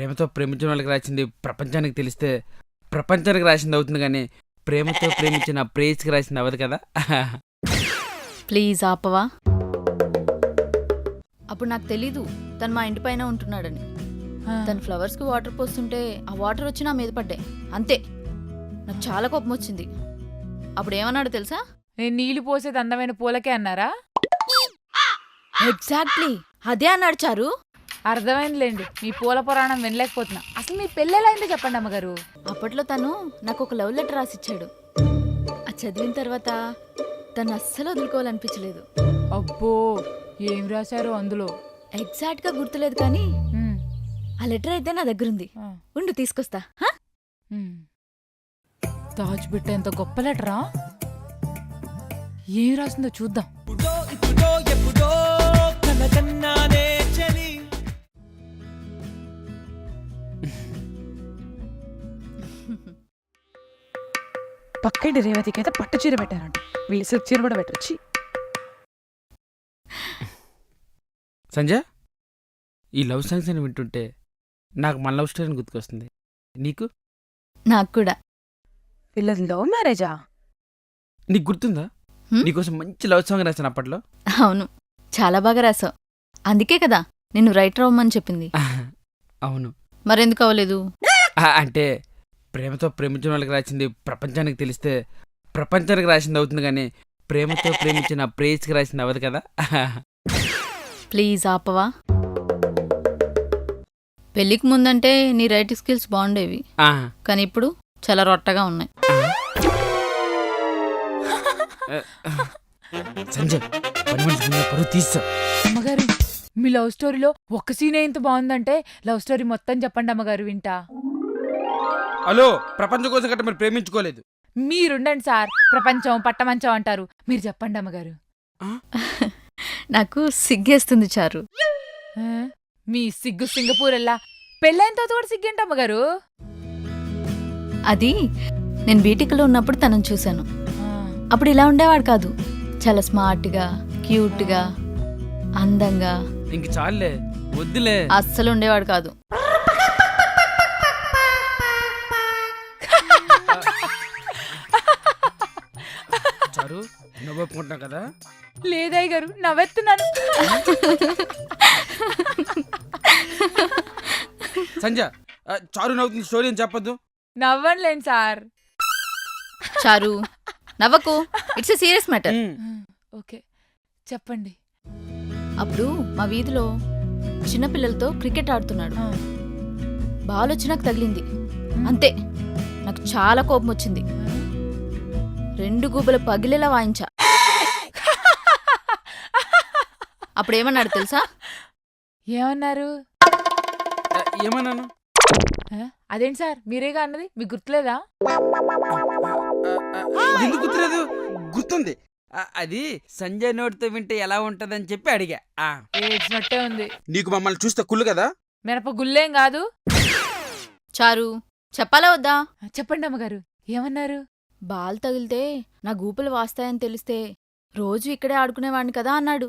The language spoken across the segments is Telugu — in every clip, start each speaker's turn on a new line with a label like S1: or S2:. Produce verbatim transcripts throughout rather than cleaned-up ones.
S1: ప్రేమతో ప్రేమించిన వాళ్ళకి రాసింది ప్రపంచానికి తెలిస్తే ప్రపంచానికి రాసింది అవుతుంది కానీ ప్రేమతో ప్రేమించిన ప్రేయస్కి రాసింది అవ్వదు కదా.
S2: ప్లీజ్ ఆపవా. అప్పుడు నాకు తెలీదు తను మా ఇంటి పైన ఉంటున్నాడని. తన ఫ్లవర్స్కి వాటర్ పోస్తుంటే ఆ వాటర్ వచ్చి నా మీద పడ్డాయి అంతే. నాకు చాలా కోపం వచ్చింది. అప్పుడు ఏమన్నాడు తెలుసా?
S3: నేను నీళ్లు పోసేది అందమైన పూలకే అన్నారా?
S2: ఎగ్జాక్ట్లీ అదే అన్నాడు చారు.
S3: అర్థమైందిలేండి, మీ పూల పురాణం వినలేకపోతున్నా. అసలు మీ పెళ్ళెలా అయిందో చెప్పండి అమ్మగారు.
S2: అప్పట్లో తను నాకు ఒక లవ్ లెటర్ రాసిచ్చాడు. అది చదివిన తర్వాత తను అస్సలు వదులుకోవాలనిపించలేదు.
S3: అబ్బో, ఏం రాశారు అందులో?
S2: ఎగ్జాక్ట్ గా గుర్తులేదు కానీ
S3: ఉమ్,
S2: ఆ లెటర్ అయితే నా దగ్గరుంది.
S3: ఆ,
S2: ఉండు తీసుకొస్తా. హా?
S3: ఉమ్. దాచిపెట్ట ఎంత గొప్ప లెటరా? ఏం రాసిందో చూద్దాం.
S4: పక్కింటి రేవతికి అయితే పట్టు చీర పెట్టారంట, వీళ్ళు సిల్క్ చీర కూడా పెట్టొచ్చి.
S1: సంజయ్, ఈ లవ్ సాంగ్స్ అని వింటుంటే నాకు మన లవ్ స్టోరీని గుర్తుకొస్తుంది. నీకు?
S2: నాకు కూడా.
S4: వీళ్ళది లవ్ మ్యారేజా?
S1: నీకు గుర్తుందా?
S2: హ్మ్?
S1: నీకోసం మంచి లవ్ సాంగ్ రాశాను అప్పట్లో.
S2: అవును, చాలా బాగా రాసావు. అందుకే కదా నిన్ను రైటర్ అవ్వమని చెప్పింది.
S1: అవును.
S2: మరెందుకు అవ్వలేదు?
S1: ఆ, అంటే ప్రేమతో ప్రేమించిన వాళ్ళకి రాసింది ప్రపంచానికి తెలిస్తే ప్రపంచానికి రాసింది అవుతుంది కానీ ప్రేమతో ప్రేమించిన ప్రేయస్కి రాసింది అవ్వదు కదా.
S2: ప్లీజ్ ఆపవా. పెళ్ళికి ముందంటే నీ రైటింగ్ స్కిల్స్ బాగుండేవి,
S1: ఆ,
S2: కానీ ఇప్పుడు చాలా రొట్టగా ఉన్నాయి.
S1: సంజయ్, పని మనిషి ముందు పరువు తీస్తా.
S3: అమ్మగారు, మీ లవ్ స్టోరీలో ఒక్క సీనే ఇంత బాగుందంటే లవ్ స్టోరీ మొత్తం చెప్పండి అమ్మగారు, వింటా.
S1: హలో, ప్రపంచం కోసం గట్ట మీరు ప్రేమించుకోలేదు.
S3: మీరుండండి సార్, ప్రపంచం పట్టమంచం అంటారు. మీరు చెప్పండి అమ్మగారు.
S2: నాకు సిగ్గేస్తుంది చారు.
S3: ఆ, మీ సిగ్గు సింగపూర్ వెళ్ళా, పెళ్ళైన తర్వాత కూడా సిగ్గేంటి అమ్మగారు?
S2: అది నేను బీటెక్లో ఉన్నప్పుడు తనను చూశాను.
S3: ఆ,
S2: అప్పుడు ఇలా ఉండేవాడు కాదు. చాలా స్మార్ట్గా, క్యూట్గా, అందంగా
S1: ఇంక చాలులే, వద్దులే.
S2: అస్సలు ఉండేవాడు కాదు.
S1: చారు, నవ్వుకుంటున్నా కదా.
S3: లేదయ్య గారు, నవ్వెత్తున్నాను.
S1: సంజయ్, ఆ, చారు నవ్వుతుంది స్టోరీ అని చెప్పొద్దు.
S3: నవ్వనులేండి సార్.
S2: చారు నవ్వకు, it's a serious matter.
S1: Um.
S3: Okay, చెప్పండి.
S2: అప్పుడు మా వీధిలో చిన్నపిల్లలతో క్రికెట్ ఆడుతున్నాడు.
S3: ఆ,
S2: బాల్ వచ్చి నాకు తగిలింది అంతే. నాకు చాలా కోపం వచ్చింది. రెండు గుబ్బలు పగిలేలా వాయించా. అప్పుడేమన్నాడు తెలుసా?
S3: ఏమన్నారు?
S1: ఆ, ఏమన్నాను?
S3: ఆ, అదేంటి సార్, మీరేగా అన్నది, మీకు గుర్తులేదా?
S1: ఆ, ఆ, ఎందుకు గుర్తులేదు? గుర్తుంది. ఆ, అది సంజయ్ నోటితో వింటే ఎలా ఉంటదని చెప్పి అడిగా. ఆ,
S3: ఏడ్చినట్టే ఉంది.
S1: నీకు మమ్మల్ని చూస్తే కుళ్ళు కదా.
S3: మినప గుల్లేం కాదు.
S2: చారు చెప్పాలా వద్దా?
S3: ఆ, చెప్పండి అమ్మగారు, ఏమన్నారు?
S2: బాల్ తగిలితే నా గూపులు వాస్తాయని తెలిస్తే రోజు ఇక్కడే ఆడుకునేవాడిని కదా అన్నాడు.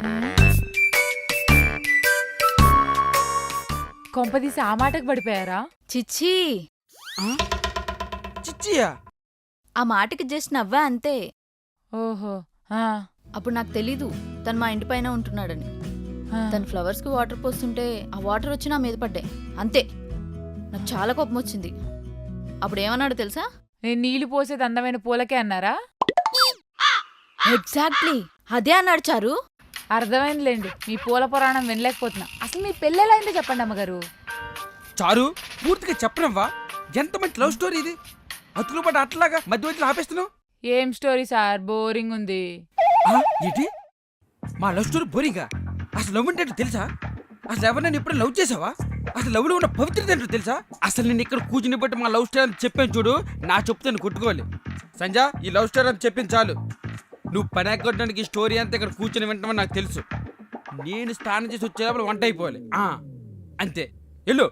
S3: కొంపదీసి ఆ మాటకు పడిపోయారా?
S2: చిచ్చి,
S1: ఆ? చిచ్చియా?
S2: ఆ మాటకి జస్ట్ నవ్వా అంతే.
S3: ఓహో. ఆ,
S2: అప్పుడు నాకు తెలీదు తను మా ఇంటి పైన ఉంటున్నాడని.
S3: ఆ,
S2: తన ఫ్లవర్స్కి వాటర్ పోస్తుంటే ఆ వాటర్ వచ్చి నా మీద పడ్డాయి అంతే. నాకు చాలా కోపం వచ్చింది. అప్పుడు ఏమన్నాడు తెలుసా?
S3: నేను నీళ్లు పోసేది అందమైన పూలకే అన్నారా?
S2: ఎగ్జాక్ట్లీ అదే అన్నాడు చారు.
S3: అర్థమైందిలేండి, మీ పూల పురాణం వినలేకపోతున్నా. అసలు మీ పెళ్ళెలా అయిందో చెప్పండి అమ్మగారు.
S1: చారు, పూర్తిగా చెప్పనవ్వా. ఎంత మంచి లవ్ స్టోరీ ఇది. అతులు పడ్డ అట్లాగా మధ్య మధ్యలో ఆపేస్తున్నావు.
S3: ఏం స్టోరీ సార్, బోరింగ్ ఉంది.
S1: ఆ, ఏంటి? మా లవ్ స్టోరీ బోరింగా? అసలు లవ్ అంటే ఏంటో తెలుసా? అసలు ఎవరినైనా ఇప్పుడు లవ్ చేసావా? అసలు లవ్లో ఉన్న పవిత్రత ఏంటో తెలుసా? అసలు నేను ఇక్కడ కూర్చుని బట్టి మా లవ్ స్టోరీ అని చెప్పాను చూడు, నా చెప్తాను కొట్టుకోవాలి. సంజయ్, ఈ లవ్ స్టోరీ అని చెప్పింది చాలు. నువ్వు పని ఎక్కడానికి ఈ స్టోరీ అంతా ఇక్కడ కూర్చొని వింటామని నాకు తెలుసు. నేను స్నానం చేసి వచ్చేటప్పుడు వంట అయిపోవాలి. ఆ, అంతే, వెళ్ళు.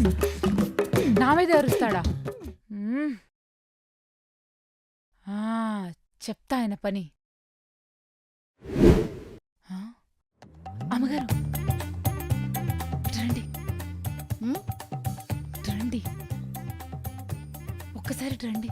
S3: నా మీద అరుస్తాడా? మ్మ్. ఆ చెప్తా ఆయన పని. ఆ? అమ్మగారు రండి
S2: హ్మ్?
S3: రండి ఒక్కసారి రండి.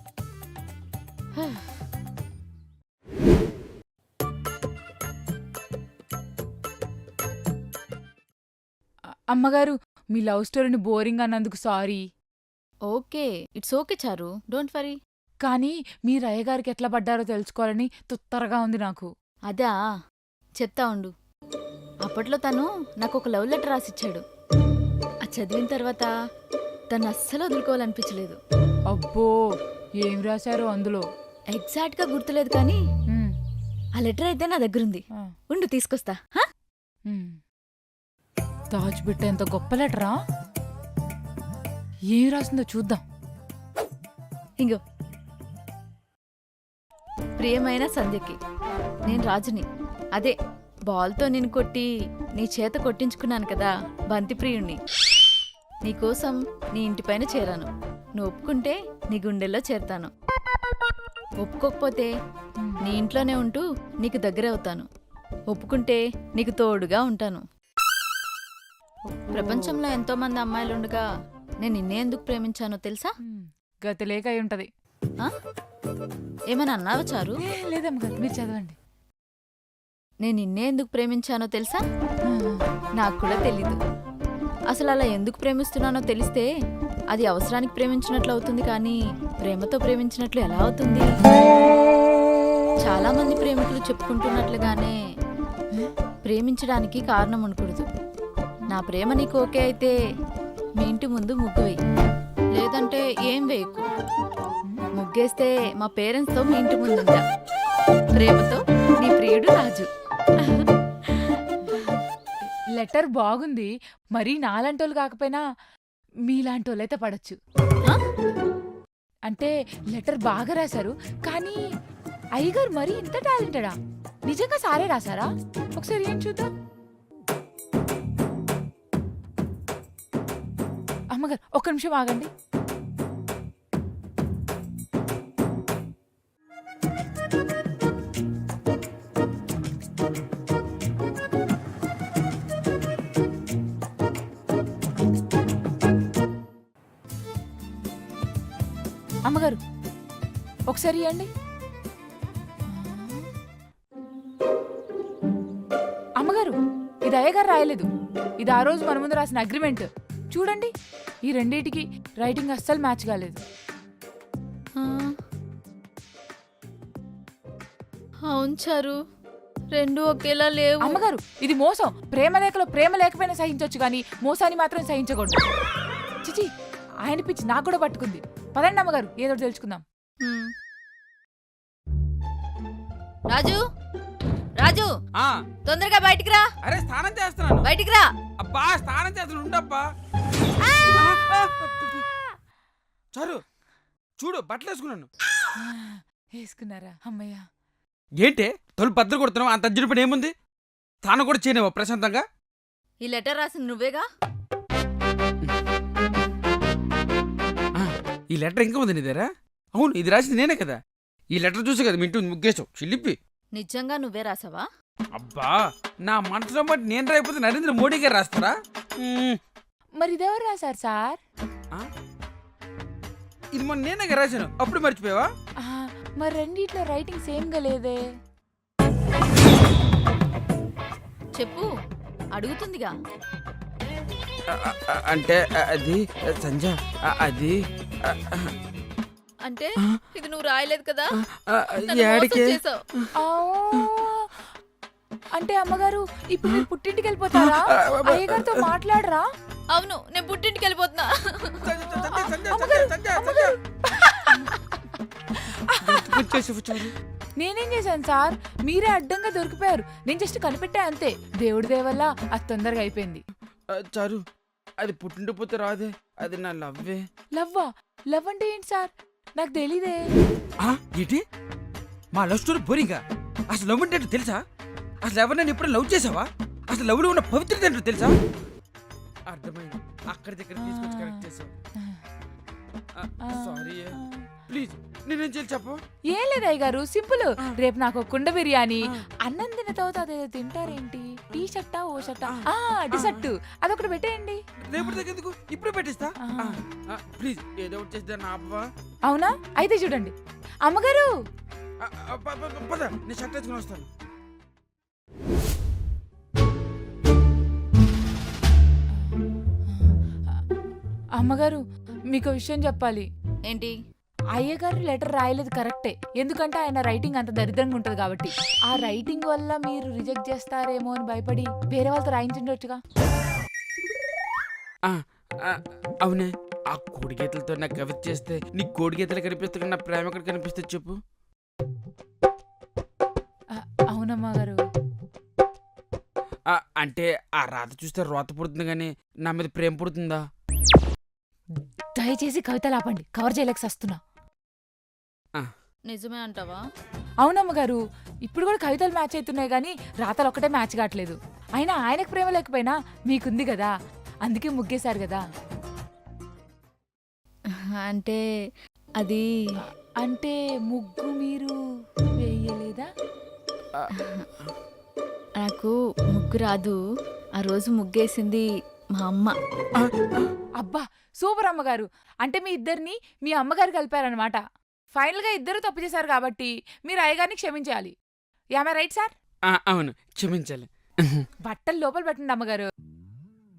S3: అ- అమ్మగారు మీ లవ్ స్టోరీని బోరింగ్ అన్నందుకు sorry.
S2: Okay, it's okay Charu, don't worry.
S3: కానీ మీరు అయ్యగారికి ఎట్లా పడ్డారో తెలుసుకోవాలని తుత్తరగా ఉంది నాకు.
S2: అదా, చెప్తా ఉండు. అప్పట్లో తను నాకు ఒక లవ్ లెటర్ రాసిచ్చాడు. అది చదివిన తర్వాత తను అస్సలు వదులుకోవాలనిపించలేదు.
S3: అబ్బో ఏం రాశారో అందులో?
S2: ఎగ్జాక్ట్గా గుర్తులేదు కానీ
S3: ఉమ్,
S2: ఆ లెటర్ అయితే నా దగ్గరుంది.
S3: ఆ,
S2: ఉండు తీసుకొస్తా. హా?
S3: ఉమ్. దాచిపెట్టేంత గొప్ప లెటరా? ఏం రాసిందో చూద్దాం.
S2: ఇంగో, ప్రియమైన సంధ్యకి, నేను రాజుని, అదే బాల్తో నిన్ను కొట్టి నీ చేత కొట్టించుకున్నాను కదా, బంతి ప్రియుణ్ణి. నీకోసం నీ ఇంటిపైన చేరాను. నువ్వు ఒప్పుకుంటే నీ గుండెల్లో చేరతాను. ఒప్పుకోకపోతే నీ ఇంట్లోనే ఉంటూ నీకు దగ్గర అవుతాను. ఒప్పుకుంటే నీకు తోడుగా ఉంటాను. ప్రపంచంలో ఎంతో మంది అమ్మాయిలుండగా నేను నిన్నే ఎందుకు ప్రేమించానో తెలుసా?
S3: ఉమ్, గతి లేక అయి ఉంటది.
S2: ఆ? ఏమైనా అన్నావా చారు?
S3: ఏ, లేదమ్మగారు మీరు చదవండి.
S2: నేను నిన్నే ఎందుకు ప్రేమించానో తెలుసా?
S3: ఆ,
S2: నాకు కూడా తెలీదు. అసలు అలా ఎందుకు ప్రేమిస్తున్నానో తెలిస్తే అది అవసరానికి ప్రేమించినట్లు అవుతుంది కానీ ప్రేమతో ప్రేమించినట్లు ఎలా అవుతుంది? చాలా మంది ప్రేమికులు చెప్పుకుంటున్నట్లుగానే ప్రేమించడానికి కారణం ఉండకూడదు. నా ప్రేమ నీకు ఓకే అయితే మీ ఇంటి ముందు ముగ్గు వేయి, లేదంటే ఏం వేయకు. ముగ్గేస్తే మా పేరెంట్స్తో మీ ఇంటి ముందుంటా. ప్రేమతో నీ ప్రియుడు రాజు.
S3: లెటర్ బాగుంది. మరీ నాలాంటోళ్ళు కాకపోయినా మీలాంటోళ్ళైతే పడచ్చు.
S2: ఆ?
S3: అంటే లెటర్ బాగా రాశారు కానీ అయ్యగారు మరీ ఇంత టాలెంటెడా? నిజంగా సారే రాశారా? ఒకసారి ఏం చూద్దాం. అమ్మగారు ఒక్క నిమిషం ఆగండి. అమ్మగారు ఒకసారి ఇవ్వండి. అమ్మగారు ఇది అయ్యగారు రాయలేదు. ఇది ఆ రోజు మన ముందు రాసిన అగ్రిమెంట్. చూడండి, ఈ రెండింటికి రైటింగ్ అస్సలు మ్యాచ్ కాలేదు.
S2: ఆ. అవును చారు, రెండు ఒకేలా లేవు.
S3: అమ్మగారు ఇది మోసం. ప్రేమ లేఖలో ప్రేమ లేకపోయినా సహించొచ్చు కానీ మోసాన్ని మాత్రం సహించకూడదు. చిచి, ఆయన పిచ్చి నాకు కూడా పట్టుకుంది. పదండి అమ్మగారు ఏదో ఒకటి తెలుసుకుందాం.
S2: హ్మ్. రాజు, రాజు,
S1: ఆ,
S2: తొందరగా బయటికి రా.
S1: అరే స్నానం చేస్తున్నాను.
S2: బయటికి రా.
S1: అబ్బా స్నానం చేస్తున్నాను, ఉండబ్బా. చారు చూడు, బట్టలు వేసుకున్నాను.
S3: వేసుకున్నారా? అమ్మయ్య.
S1: ఏంటే తొలి బద్దలు కొడుతున్నావు? అంత అర్జున పని ఏముంది? తాను కూడా చేయలేవా ప్రశాంతంగా?
S2: ఈ లెటర్ రాసింది నువ్వేగా?
S1: ఆ, ఈ లెటర్ ఇంకా ఉంది నీ దగ్గర? అవును, ఇది రాసింది నేనే కదా. ఈ లెటర్ చూసి కదా మీ ఇంటి ముగ్గేసావు చిల్లిపి.
S2: నిజంగా నువ్వే రాసావా?
S1: అబ్బా, నా మనసులో బట్టి నేను రాయిపోతే నరేంద్ర మోడీ గారు రాస్తారా? మ్మ్.
S3: మరి ఇదెవరు రాశారు సార్?
S1: ఆ? ఇది మొన్న నేనే కదా రాశాను, అప్పుడు మర్చిపోయావా?
S3: ఆ, మరి రెండిట్లో రైటింగ్ సేమ్ గా లేదే.
S2: చెప్పు, అడుగుతుందిగా.
S1: ఆ, ఆ, అంటే ఆ, అది సంజ ఆ, అది ఆ, ఆ,
S2: అంటే ఇది నువ్వు రాయలేదు కదా?
S1: ఆ,
S2: నన్ను మోసం
S1: యాడికే?
S2: చేసావు.
S3: ఆ, అంటే అమ్మగారు ఇప్పుడు మీరు పుట్టింటికి వెళ్ళిపోతారా? అయ్యగారితో మాట్లాడరా?
S2: అవును, నేను పుట్టింటికి వెళ్ళిపోతున్నా.
S1: సంజ, సంజ, సంజ, సంజ, సంజ, సంజ. వచ్చేసి, వచ్చేసి.
S3: నేనేం చేశాను సార్? మీరే అడ్డంగా దొరికిపోయారు. నేను జస్ట్ కనిపెట్టా అంతే. దేవుడి దయ వల్ల అది తొందరగా అయిపోయింది.
S1: ఆ, చారు అది పుట్టింటిపోతే రాదే, అది నా లవ్వే.
S3: లవ్వా? లవ్ అంటే ఏంటి సార్? నాకు తెలీదే.
S1: ఆ, ఏంటి మా లవ్ స్టోరీ బోరింగా? అసలు లవ్ అంటే ఏంటో తెలుసా? అసలు ఎవరినైనా ఎప్పుడు లవ్ చేసావా? అసలు లవ్లో ఉన్న పవిత్రత ఏంటో తెలుసా? అర్థమైంది, అక్కడి దగ్గర తీసుకొచ్చి కరెక్ట్ చేసావు. సారీ ప్లీజ్ నేనేం చేయాలి చెప్పు.
S3: ఏం లేదు అయ్యగారు, సింపుల్.
S1: ఆ.
S3: రేపు నాకు ఒక కుండ బిర్యానీ,
S1: ఆ.
S3: అన్నం తిన్న తర్వాత అదేదో తింటారేంటి, టీ షర్టా ఓ షర్టా,
S1: ఆ.
S3: టీ షర్టు అదొకటి పెట్టేయండి.
S1: రేపటి దగ్గర ఎందుకు, ఇప్పుడు పెట్టిస్తా.
S3: ఆ.
S1: ప్లీజ్ ఏదో ఒకటి చేస్తే నా అవ్వ.
S3: అవునా, అయితే చూడండి. అమ్మగారు,
S1: ఆ, ఆ, ప- ప- పద నేను షర్ట్ వేసుకుని వస్తాను.
S3: అమ్మగారు మీకు విషయం చెప్పాలి.
S2: ఏంటి?
S3: అయ్యగారు లెటర్ రాయలేదు కరెక్టే, ఎందుకంటే ఆయన రైటింగ్ అంత దరిద్రంగా ఉంటది కాబట్టి. ఆ రైటింగ్ వల్ల మీరు రిజెక్ట్ చేస్తారేమో అని భయపడి వేరే వాళ్ళతో రాయించుండొచ్చుగా.
S1: ఆ, ఆ, అవునే, ఆ కోడి గీతలతో నాకు కవిత చేస్తే నీ కోడి గీతలు కనిపిస్తే నా ప్రేమ ఎక్కడ కనిపిస్తుంది చెప్పు.
S3: ఆ, అవునమ్మా గారు.
S1: ఆ, అంటే ఆ రాత చూస్తే రోత పుడుతుంది కానీ నా మీద ప్రేమ పుడుతుందా?
S3: దయచేసి కవితలు ఆపండి, కవర్ చేయలేక సస్తున్నా.
S2: నిజమే అంటావా?
S3: అవునమ్మ గారు, ఇప్పుడు కూడా కవితలు మ్యాచ్ అవుతున్నాయి కానీ రాతలు ఒక్కటే మ్యాచ్ కావట్లేదు. అయినా ఆయనకు ప్రేమ లేకపోయినా మీకుంది కదా, అందుకే ముగ్గేశారు కదా.
S2: అంటే అది
S3: అంటే ముగ్గు మీరు వేయలేదా?
S2: నాకు ముగ్గు రాదు. ఆ రోజు ముగ్గేసింది మా అమ్మ.
S3: అబ్బా సూపర్ అమ్మగారు, అంటే మీ ఇద్దరిని మీ అమ్మగారు కలిపారనమాట. ఫైనల్ గా ఇద్దరు తప్పు చేశారు కాబట్టి మీరు అయ్యగారిని క్షమించాలి. Am I right sir?
S1: ఆ, అవును, క్షమించాలి.
S3: బట్టలు లోపల పెట్టండి అమ్మగారు.